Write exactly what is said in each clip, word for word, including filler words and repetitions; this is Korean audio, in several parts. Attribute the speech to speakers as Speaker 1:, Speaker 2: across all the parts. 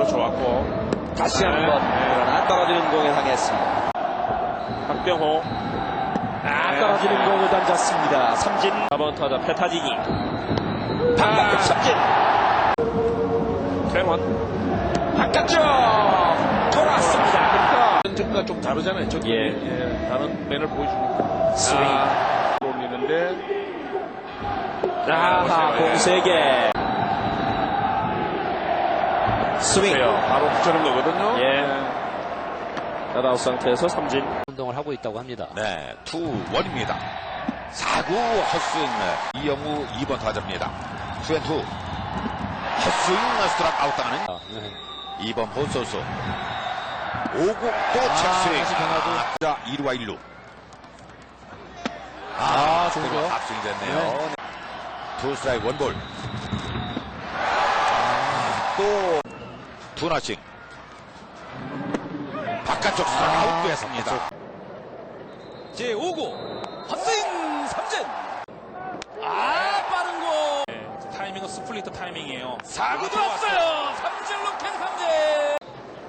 Speaker 1: 좋았고
Speaker 2: 다시 한번 그러나 떨어지는 공에 당했습니다.
Speaker 1: 박병호
Speaker 2: 아, 떨어지는 공을 던졌습니다. 삼진.
Speaker 1: 사 번 타자 페타지니
Speaker 2: 바깥쪽 삼진.
Speaker 1: 최원
Speaker 2: 바깥쪽 돌았습니다.
Speaker 1: 전과 좀 다르잖아요. 저기
Speaker 2: 예.
Speaker 1: 예, 다른 면을 보여주는
Speaker 2: 스윙.
Speaker 1: 아, 올리는데
Speaker 2: 아하, 공 세 개. 스윙.
Speaker 1: 바로 붙여는 거거든요.
Speaker 2: 예. 나다웃 상태에서 삼진.
Speaker 3: 운동을 하고 있다고 합니다.
Speaker 4: 네, 투 원입니다. 사 구 헛스윙. 이영우 이 번 타자입니다. 투앤투 헛스윙 스트라이크 아웃 당하는
Speaker 3: 아, 네.
Speaker 4: 이 번 호소수. 오 구 또 착스윙.
Speaker 3: 다시 변화도.
Speaker 4: 아, 자, 이 루와 일 루.
Speaker 3: 아, 좋죠.
Speaker 4: 압승이 됐네요. 네. 투 스트라이크 원볼. 또 투나싱. 바깥쪽 스트라이크 아웃 됐습니다.
Speaker 3: 제오 구 헛스윙 삼진. 아, 빠른 공.
Speaker 1: 네, 타이밍은 스플리트 타이밍이에요.
Speaker 3: 사 구
Speaker 1: 아,
Speaker 3: 들어왔어요. 삼진 로켓 삼진.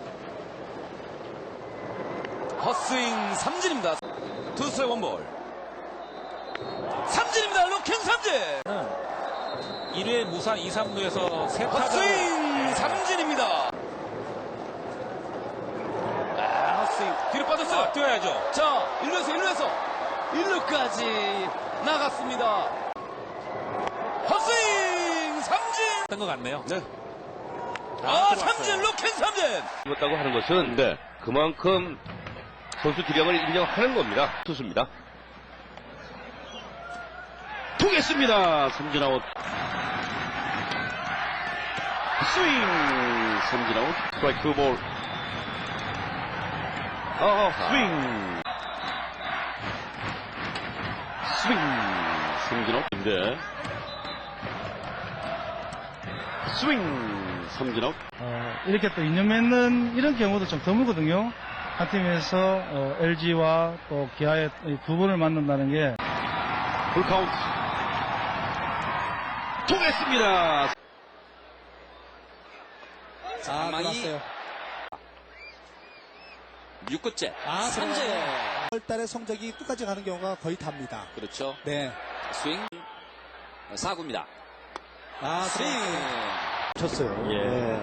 Speaker 3: 헛스윙 삼진입니다. 투 스트라이크 원볼. 삼진입니다. 로켓 삼진.
Speaker 1: 일 회 무사 이, 삼 루에서 세 타자
Speaker 3: 헛스윙 삼진입니다. 아, 헛스윙 뒤로 빠졌어요.
Speaker 1: 아, 뛰어야죠.
Speaker 3: 자, 일 루에서 일 루에서 일 루까지 나갔습니다. 헛스윙 삼진.
Speaker 1: 뜬 것 같네요.
Speaker 3: 네.
Speaker 1: 아,
Speaker 3: 아, 삼진 로켓 삼진.
Speaker 5: 죽었다고 하는 것은 네, 그만큼 선수 기량을 인정하는 겁니다. 투수입니다. 통했습니다. 삼진 아웃. 스윙 삼진 아웃. 스트라이크 투 볼. 아, 스윙. 스윙 삼진 아웃인데. 스윙 삼진 아웃.
Speaker 6: 어, 이렇게 또 인연 맺는 이런 경우도 좀 드물거든요. 한 팀에서 어, 엘지와 또 기아의 두 번을 만난다는 게
Speaker 5: 풀카운트. 통했습니다.
Speaker 3: 아, 들어왔어요. 육 구째. 아, 삼진.
Speaker 7: 월 달에 성적이 끝까지 가는 경우가 거의 답니다.
Speaker 3: 그렇죠.
Speaker 7: 네.
Speaker 3: 스윙. 사 구입니다.
Speaker 7: 아,
Speaker 3: 스윙.
Speaker 7: 쳤어요.
Speaker 2: 예.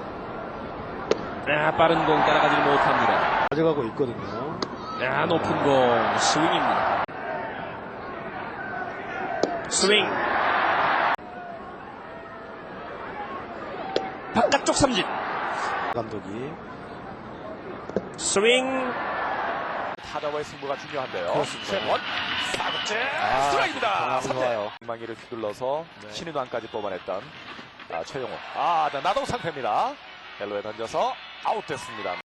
Speaker 2: 아, 빠른 공 따라가지 못합니다.
Speaker 7: 가져가고 있거든요.
Speaker 2: 아, 높은 공 스윙입니다. 스윙. 바깥쪽 삼진.
Speaker 7: 감독이.
Speaker 2: 스윙.
Speaker 8: 타자와의 승부가 중요한데요.
Speaker 7: 그렇습니다.
Speaker 8: 최원 사 구째
Speaker 7: 아,
Speaker 8: 스트라이크입니다. 삼 대
Speaker 7: 좋아요.
Speaker 8: 방망이를 휘둘러서
Speaker 7: 네.
Speaker 8: 신인왕까지 뽑아냈던 아, 최용호. 아, 네, 나동 상태입니다. 벨로에 던져서 아웃됐습니다.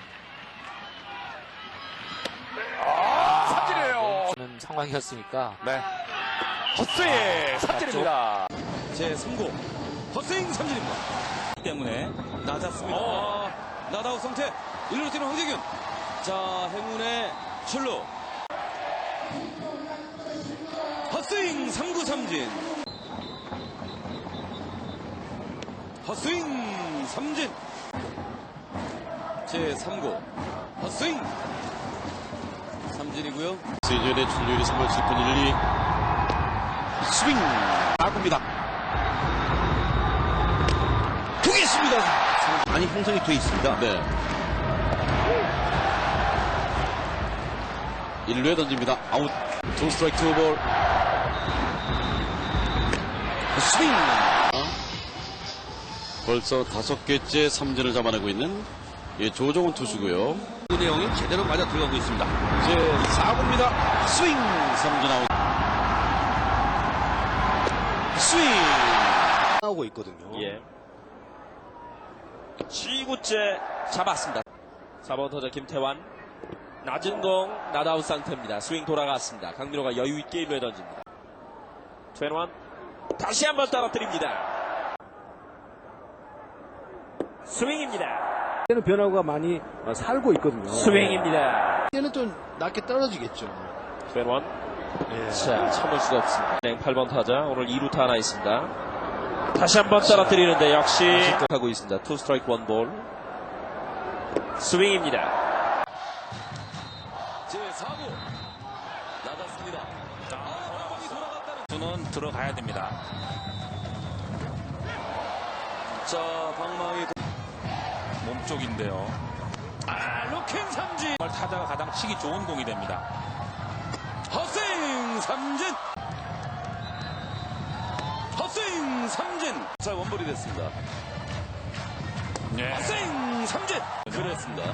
Speaker 8: 아, 삼진이에요.
Speaker 3: 는 상황이었으니까.
Speaker 8: 네. 헛스윙 삼진입니다.
Speaker 3: 제삼 구 헛스윙 삼진입니다. 때문에 낮았습니다. 어, 나다웃 상태. 일 루로 뛰는 황재균. 자, 행운의 출루. 헛스윙 삼 구 삼진. 헛스윙 삼진. 제삼 구 헛스윙 삼진이고요.
Speaker 5: 시즌의 출루율이 삼 월 칠 분 일, 이. 스윙 나갑니다. 통했습니다. 많이 형성이 돼 있습니다. 네. 일 루에 던집니다. 아웃. 투 스트라이크 투 볼. 스윙. 벌써 다섯 개째 삼진을 잡아내고 있는 예, 조정훈 투수고요. 그 내용이 제대로 맞아 들어가고 있습니다. 이제 사 구입니다. 스윙 삼진 아웃. 스윙
Speaker 7: 나오고 있거든요.
Speaker 2: 예. 칠 구째 잡았습니다. 사 번 타자 김태환. 낮은 공 나다웃 상태입니다. 스윙 돌아갔습니다. 강민호가 여유있게 일 루에 던집니다. 최원 다시 한번 떨어뜨립니다. 스윙입니다.
Speaker 7: 이제는 변화가 많이 살고 있거든요.
Speaker 2: 스윙입니다.
Speaker 7: 이제는 좀 낮게 떨어지겠죠.
Speaker 2: 최원
Speaker 7: 예.
Speaker 2: 자, 참을 수가 없습니다. 팔 번 타자 오늘 이 루타 하나 있습니다. 다시 한번 떨어뜨리는데 역시 하고 있습니다. 투 스트라이크 원 볼. 스윙입니다.
Speaker 3: 제사 구 나갔습니다. 아, 공이 돌아갔다는.
Speaker 1: 수는 들어가야 됩니다.
Speaker 3: 자, 방망이
Speaker 1: 몸쪽인데요.
Speaker 3: 아, 로킹 삼진.
Speaker 1: 정말 타자가 가장 치기 좋은 공이 됩니다.
Speaker 3: 헛스윙 삼진. 헛스윙 삼진. 자, 원볼이 됐습니다.
Speaker 1: 네.
Speaker 3: 헛스윙 삼진. 그랬습니다.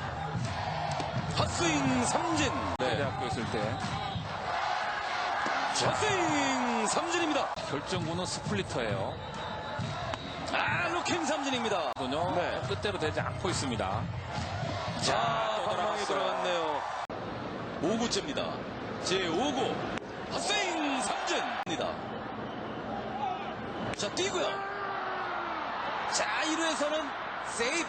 Speaker 3: 헛스윙 삼진. 네.
Speaker 1: 대학교 있을 때
Speaker 3: 헛스윙 삼진입니다.
Speaker 1: 결정구는 스플리터예요.
Speaker 3: 아, 로킹 삼진입니다.
Speaker 1: 군요
Speaker 3: 네.
Speaker 1: 뜻대로 되지 않고 있습니다.
Speaker 3: 자,
Speaker 1: 또
Speaker 3: 방망이
Speaker 1: 들어갔어요.
Speaker 3: 들어갔네요. 오 구째입니다. 제오 구. 헛스윙 삼진입니다. 자, 뛰고요. 자, 일 루에서는 세이프.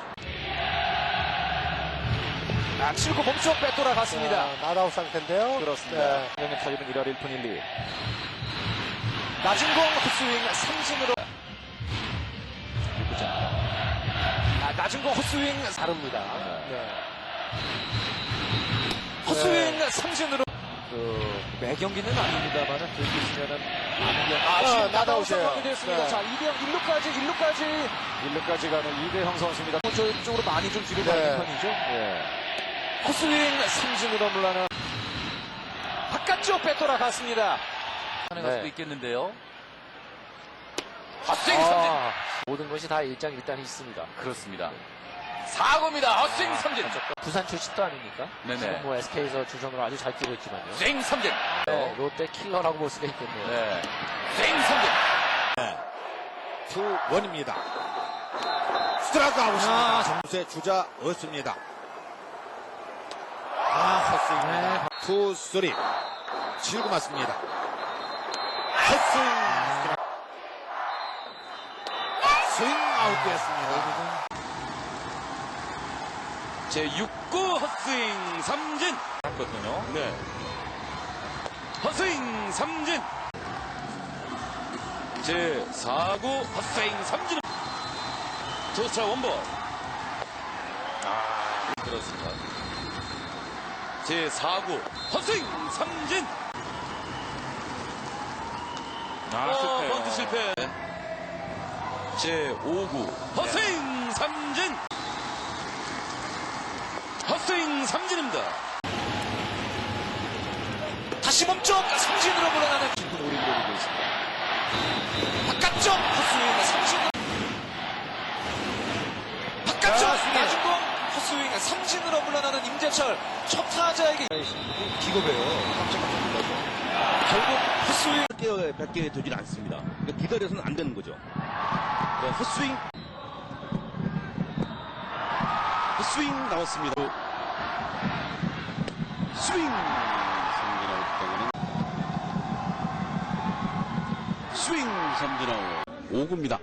Speaker 8: 아, 칠 구 몸쪽 빼돌아갔습니다.
Speaker 7: 나다웃 상태인데요.
Speaker 8: 그렇습니다.
Speaker 7: 네.
Speaker 8: 영의 타율은 일 할 일 푼 일 리. 낮은 공 헛스윙 삼진으로. 아, 낮은 공 헛스윙
Speaker 7: 다릅니다. 네.
Speaker 8: 헛스윙 삼진으로. 그, 매 경기는 아닙니다만은 들고 있으면은 많은 경 아, 지금
Speaker 7: 어,
Speaker 8: 나다웃
Speaker 7: 나다웃이에요.
Speaker 8: 상황이 됐습니다.
Speaker 7: 네.
Speaker 8: 자, 이 대 영, 일 루까지, 일 루까지. 일 루까지 가는 이대형 선수입니다. 저쪽으로 많이 좀 뒤로
Speaker 7: 네.
Speaker 8: 가는 편이죠. 예. 헛스윙 삼진으로 물러나. 바깥쪽 빼돌아갔습니다.
Speaker 3: 하는
Speaker 8: 네.
Speaker 3: 수도 있겠는데요.
Speaker 8: 헛스윙 삼진.
Speaker 3: 아,
Speaker 8: 모든 것이 다 일장일단이 있습니다.
Speaker 3: 그렇습니다. 사 구입니다. 헛스윙 삼진.
Speaker 8: 부산 출신도 아닙니까?
Speaker 3: 네네.
Speaker 8: 지금 뭐 에스케이에서 주전으로 아주 잘 뛰고 있지만요.
Speaker 3: 스윙 삼진.
Speaker 8: 네, 롯데 킬러라고 볼 수가 있겠네요.
Speaker 3: 네. 스윙 삼진.
Speaker 4: 투 원입니다. 스트라이크 아웃입니다. 점수의 주자 없습니다. 아, 헛스윙입니다. 투 쓰리. 칠 구 맞습니다. 헛스윙. 스윙 아웃되었습니다.
Speaker 3: 제육 구 헛스윙 삼진.
Speaker 1: 했거든요.
Speaker 3: 네. 헛스윙 삼진. 제사 구 헛스윙 삼진. 투스타 원볼. 아, 그렇습니다. 제사 구 헛스윙 삼진.
Speaker 1: 아,
Speaker 3: 어,
Speaker 1: 실패요.
Speaker 3: 번트 실패. 제오 구 헛스윙 삼진. 헛스윙 삼진입니다. 다시 몸쪽 삼진으로 물러나는 깊은 오리를 노리고 있습니다. 바깥쪽 헛스윙 삼진. 바깥쪽 낮은 공 헛스윙 삼진으로 물러나는 임재철. 첫 타자에게
Speaker 5: 기겁해요.
Speaker 3: 결국 헛스윙.
Speaker 5: 백 개에 되질 않습니다. 그러니까 기다려서는 안 되는 거죠. 네, 헛스윙. 헛스윙 나왔습니다. 스윙. 삼진 아웃 당하는 스윙 삼진 아웃. 오 구입니다.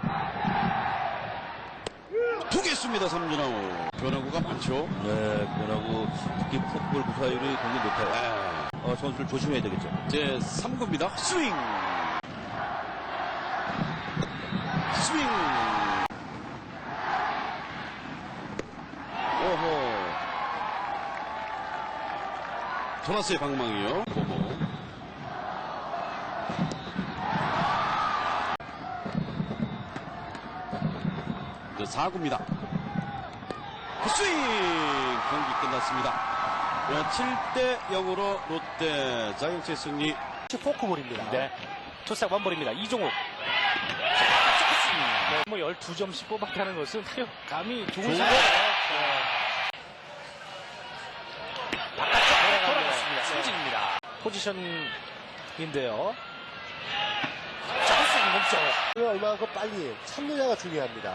Speaker 5: 두 개 씁니다. 삼진 아웃. 변화구가 많죠. 네, 변화구 특히 풋볼 구사율이 굉장히 높아요. 네. 어, 선수를 조심해야 되겠죠. 제 삼 구입니다. 스윙. 스윙. 오호. 돌았어요, 방망이요. 보모. 그 사 구입니다. 스윙. 경기 끝났습니다. 칠 대 영으로 롯데 자이언츠의 승리.
Speaker 7: 포크볼입니다.
Speaker 9: 네. 투싹 원볼입니다. 이종욱. 네, 뭐 열두 점씩 뽑았게 하는 것은 타격감이 좋은 거예요. 바깥쪽 돌아갔습니다. 삼진입니다. 포지션인데요. 자, 헛스윙 몸쪽.
Speaker 7: 얼마만큼 빨리 참느냐가 중요합니다.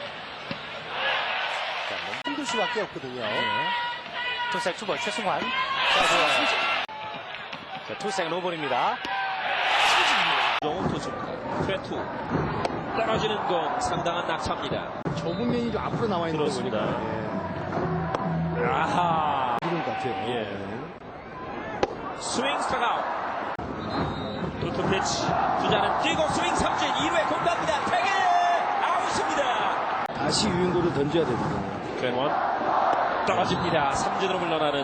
Speaker 7: 자, 너무 힘들 수밖에 없거든요.
Speaker 9: 네. 투싹 투볼 최승환. 자, 삼진. 자, 투싹 노볼입니다. 삼진입니다.
Speaker 2: 좋은 투수입니다. 투앤투. 떨어지는 공 상당한 낙차입니다.
Speaker 7: 좁은 면이 좀 앞으로 나와 있는 거 보니까. 예.
Speaker 2: 아하.
Speaker 7: 이런 것 같아요.
Speaker 2: 예. 스윙 스트라이크 아웃. 투투 피치. 주자는 뛰고 스윙 삼진. 이 루에 공 갑니다. 태그 아웃입니다.
Speaker 7: 다시 유인구를 던져야 됩니다.
Speaker 2: 트웬원. 떨어집니다. 삼진으로 물러나는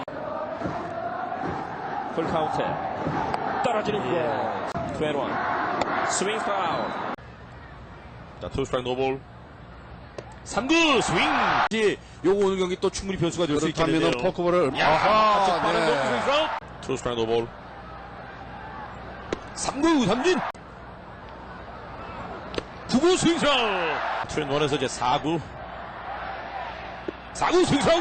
Speaker 2: 풀 카운트. 떨어지는 공. 투앤원. 스윙 파울.
Speaker 8: 자, 투 스트라이크 노볼.
Speaker 2: 삼 구 스윙.
Speaker 5: 요거 오늘 경기 또 충분히 변수가 될 수
Speaker 4: 그렇다면
Speaker 5: 있겠는데요.
Speaker 4: 포크볼을
Speaker 2: 아하, 빠른
Speaker 4: 네.
Speaker 2: 스윙 파울.
Speaker 8: 투 스트라이크 노볼.
Speaker 5: 삼 구 삼진. 구 구 스윙 스라우.
Speaker 8: 투앤원에서 이제 사 구.
Speaker 5: 사 구 스윙 스라우.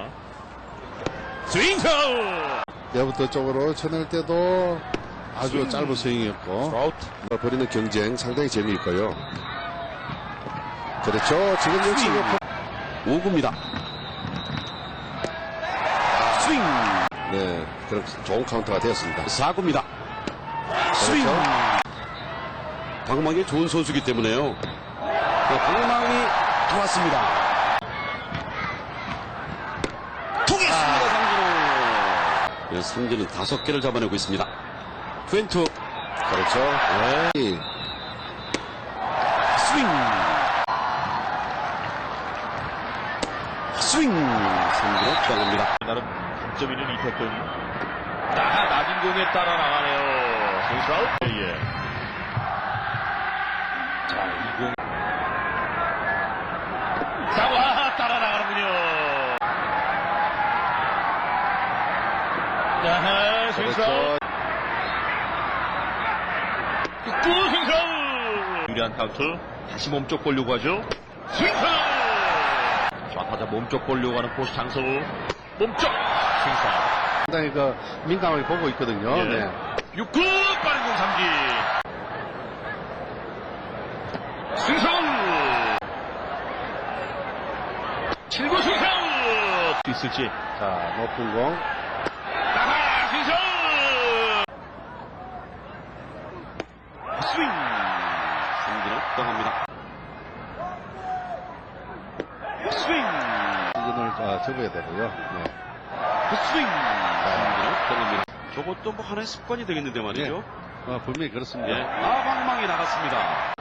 Speaker 5: 스윙 스라우.
Speaker 4: 내부터 쪽으로 쳐낼 때도 아주 짧은 스윙이었고
Speaker 8: 트라우트.
Speaker 4: 버리는 경쟁 상당히 재미있고요. 그렇죠. 지금 역시
Speaker 5: 오 구입니다. 스윙.
Speaker 4: 네, 그럼 좋은 카운터가 되었습니다.
Speaker 5: 사 구입니다. 스윙. 방망이 좋은 선수이기 때문에요. 네, 방망이 들어왔습니다. 통했습니다. 삼진호. 네, 삼진은 다섯 개를 잡아내고 있습니다. 투앤투.
Speaker 4: 그렇죠. 네.
Speaker 5: 스윙. 스윙. 삼진호 들어갑니다.
Speaker 8: 나름 점 있는 이태근. 나 낮은 공에 따라 나가네요. 스윙스라우. 예. 자, 이 공. 자, 와, 따라 나가는군요. 자, 스윙스라우. 또 스윙스라우. 유리한 카운트. 다시 몸쪽 보려고 하죠. 스윙스라우. 좌타자 몸쪽 보려고 하는 포수 장성우. 몸쪽 스윙스라우.
Speaker 4: 상당히 그 민감하게 보고 있거든요.
Speaker 8: 예.
Speaker 4: 네.
Speaker 8: 육 구 빠른 공 삼진. 스윙스라우. 칠 구 스윙스라우. 있을지.
Speaker 4: 자, 높은 공.
Speaker 8: 나가 스윙스라우.
Speaker 5: 스윙. 삼진호 떠갑니다. 스윙.
Speaker 4: 이근을 아, 접어야 되고요. 네.
Speaker 5: 스윙. 삼진호 떠갑니다. 저것도 뭐 하나의 습관이 되겠는데 말이죠.
Speaker 4: 어, 분명히 그렇습니다.
Speaker 5: 예. 아, 방망이 나갔습니다.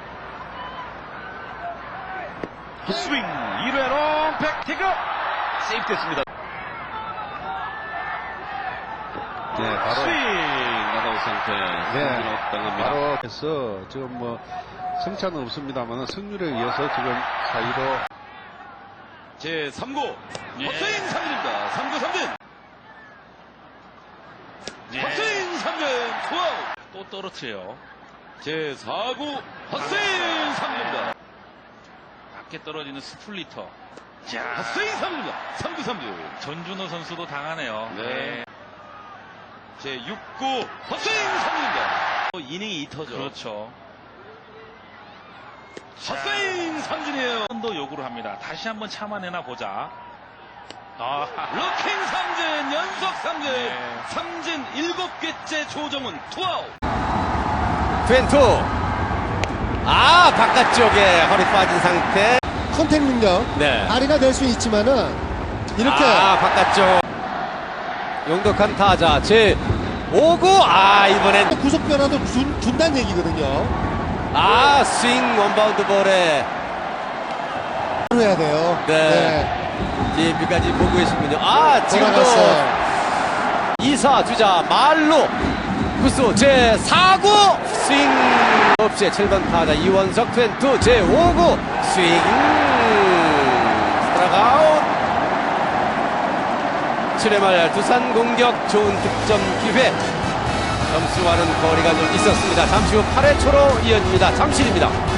Speaker 5: 스윙. 일 회로 백태그. 세이프 됐습니다.
Speaker 4: 네, 바로.
Speaker 5: 스윙. 나다우 상태.
Speaker 4: 네.
Speaker 5: 삼진호 떠갑니다.
Speaker 4: 바로 해서 지금 뭐 승차는 없습니다만 승률에 의해서 지금 사이로
Speaker 5: 제 삼 구. 헛스윙 삼진입니다. 삼 구 삼진. 헛스윙 삼진. 투아웃.
Speaker 1: 또 떨어뜨려요.
Speaker 5: 제 사 구. 헛스윙 삼진입니다.
Speaker 1: 밖에 떨어지는 스플리터. 자,
Speaker 5: 헛스윙 삼진입니다. 삼 구 삼진.
Speaker 1: 전준호 선수도 당하네요.
Speaker 5: 네. 제 육 구. 헛스윙 삼진입니다. 이닝이 이 터죠.
Speaker 1: 그렇죠.
Speaker 5: 헛스윙 삼진이에요.
Speaker 1: 도 요구를 합니다. 다시 한번 참아내나 보자. 아,
Speaker 5: 루킹 삼진. 연속 삼진.
Speaker 1: 네.
Speaker 5: 삼진 일곱 개째 조정은 투아웃.
Speaker 10: 투앤투. 아, 바깥쪽에 허리 빠진 상태.
Speaker 7: 컨택 능력
Speaker 10: 네.
Speaker 7: 발휘가 될 수 있지만은 이렇게
Speaker 10: 아, 바깥쪽. 용독한 타자 제 오 구. 아, 이번엔
Speaker 7: 구속 변화도 준, 준다는 얘기거든요.
Speaker 10: 아, 스윙 원바운드 볼에
Speaker 7: 해야 돼요.
Speaker 10: 네. 디엠피까지 보고 계시군요. 아, 지금도
Speaker 7: 돌아갔어요.
Speaker 10: 이 사 주자 말로 구수 제 사 구 스윙 없이 칠 번 타자 이원석 투앤투 제 오 구 스윙 스트라이크아웃. 칠 회 말 두산 공격 좋은 득점 기회. 점수와는 거리가 좀 있었습니다. 잠시 후 팔 회 초로 이어집니다. 잠실입니다.